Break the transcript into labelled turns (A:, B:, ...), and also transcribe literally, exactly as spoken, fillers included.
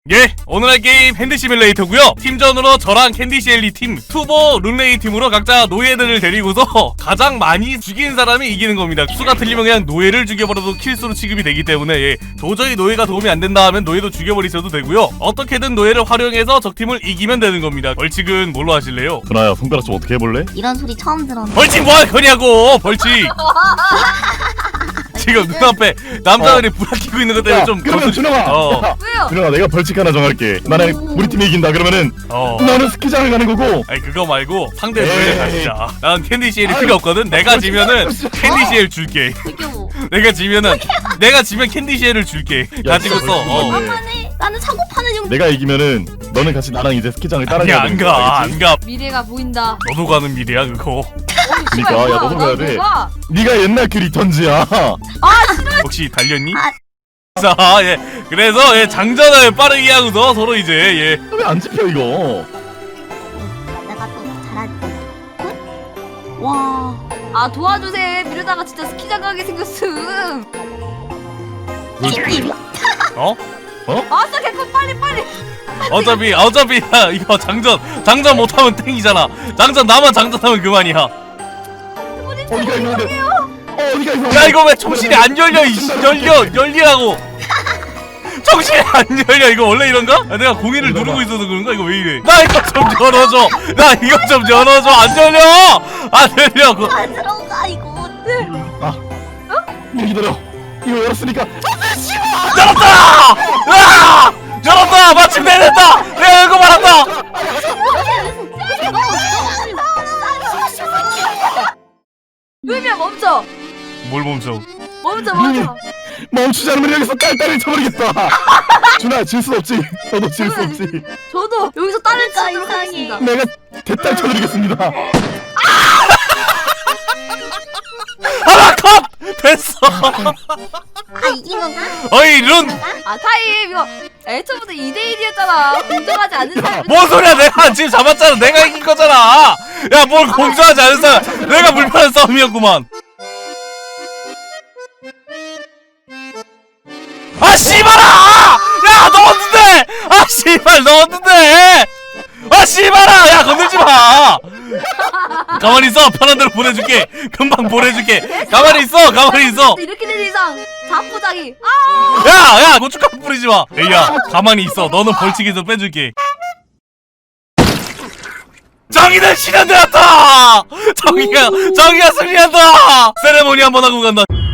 A: 예, 오늘 할 게임 핸드 시뮬레이터고요. 팀전으로 저랑 캔디시엘리 팀, 투보 룬레이 팀으로 각자 노예들을 데리고서 가장 많이 죽인 사람이 이기는 겁니다. 수가 틀리면 그냥 노예를 죽여버려도 킬수로 취급이 되기 때문에 예, 도저히 노예가 도움이 안 된다 하면 노예도 죽여버리셔도 되고요. 어떻게든 노예를 활용해서 적팀을 이기면 되는 겁니다. 벌칙은 뭘로 하실래요?
B: 준아야, 손가락 좀 어떻게 해볼래?
C: 이런 소리 처음 들었네.
A: 벌칙 뭐 할 거냐고! 벌칙! 지금 눈앞에 남자들이
B: 어.
A: 불 켜고 있는 것 때문에
B: 야,
A: 좀
B: 그러면
A: 거슬-
B: 준아가
A: 어.
B: 야,
D: 왜요?
B: 준아가 내가 벌칙 하나 정할게. 만약에 우리 팀이 이긴다 그러면은
A: 어.
B: 너는 스키장을 가는 거고
A: 아니 그거 말고 상대
B: 에이.
A: 노예 가시자. 난 캔디시엘이
B: 아유,
A: 필요 없거든. 내가
B: 벌칙
A: 지면은
B: 하고 싶어.
A: 캔디시엘 줄게.
C: 태교.
A: 내가 지면은 내가 지면 캔디시엘을 줄게. 가지고
B: 진짜
A: 써. 어.
B: 벌칙
C: 만만해. 나는 사고 파는 용.
B: 내가 이기면은 너는 같이 나랑 이제 스키장을
A: 아니
B: 따라가야
A: 안
B: 되는
A: 가.
B: 거야,
A: 안
B: 알겠지?
A: 가.
D: 미래가 보인다.
A: 너도 가는 미래야 그거.
B: 그러니까 야 너도 가야 돼.
D: 가.
B: 네가 옛날 그 리턴즈야.
A: 혹시 달렸니?
C: 아.
A: 자, 예. 그래서 예, 장전을 빠르게 하고서 서로 이제 예.
B: 왜 안 집혀 이거?
C: 내가 또 잘하지. 굿? 와.
D: 아 도와주세요. 미래다가 진짜 스키장 가게 생겼음.
C: 킥님.
A: 어?
D: 아싸 개코 빨리 빨리.
A: 어차피 어차피 야, 이거 장전 장전 못하면 땡이잖아. 장전 나만 장전하면 그만이야.
B: 어디가 있는데? 어 어디가 있어?
A: 야 이거 왜 정신이 안 열려? 이 씨, 열려 열리라고. 정신이 안 열려. 이거 원래 이런가? 아, 내가 공인을 누르고 있어서 그런가? 이거 왜 이래? 나 이거 좀 열어줘. 나 이거 좀 열어줘. 안 열려. 안 열려. 그...
C: 안 들어가 이거.
B: 아, 어? 기다려. 이거 열었으니까.
A: 열었다. 아! 열었다. 마침 내렸다. 내가 이거 말한다.
D: 루미야 멈춰.
A: 뭘 멈춰?
D: 멈춰 멈춰.
B: 멈추지 않으면 여기서 딸딸이 쳐버리겠다. 준아 질 수 없지. 너도 질 수 없지.
D: 저도 여기서 딸을
C: 진짜
D: 치도록
C: 이상해.
D: 하겠습니다.
B: 내가 대딸 쳐드리겠습니다.
A: 하나 컷. 됐어.
C: 아 이긴 건가?
A: 어이 룬.
D: 아 타임 이거 애초부터 이 대 일이었잖아. 공정하지 않은 사람.
A: 뭔 소리야? 내가 지금 잡았잖아. 내가 이긴 거잖아. 야 뭘 공정하지 않은 사람. 내가 불편한 싸움이었구만. 아 씨발아! 야 넣었는데! 아 씨발 넣었는데! 아 씨발아! 야 건들지 마! 가만히 있어. 편한 대로 보내줄게. 금방 보내줄게. 가만히 있어. 가만히 있어.
D: 이렇게 된 이상 자포자기. 아
A: 야! 야! 고춧가루 뿌리지 마. 에이야 가만히 있어. 너는 벌칙에서 빼줄게. 정의는 실현되었다! 정의가 정의가 승리한다! 세레모니 한번 하고 간다.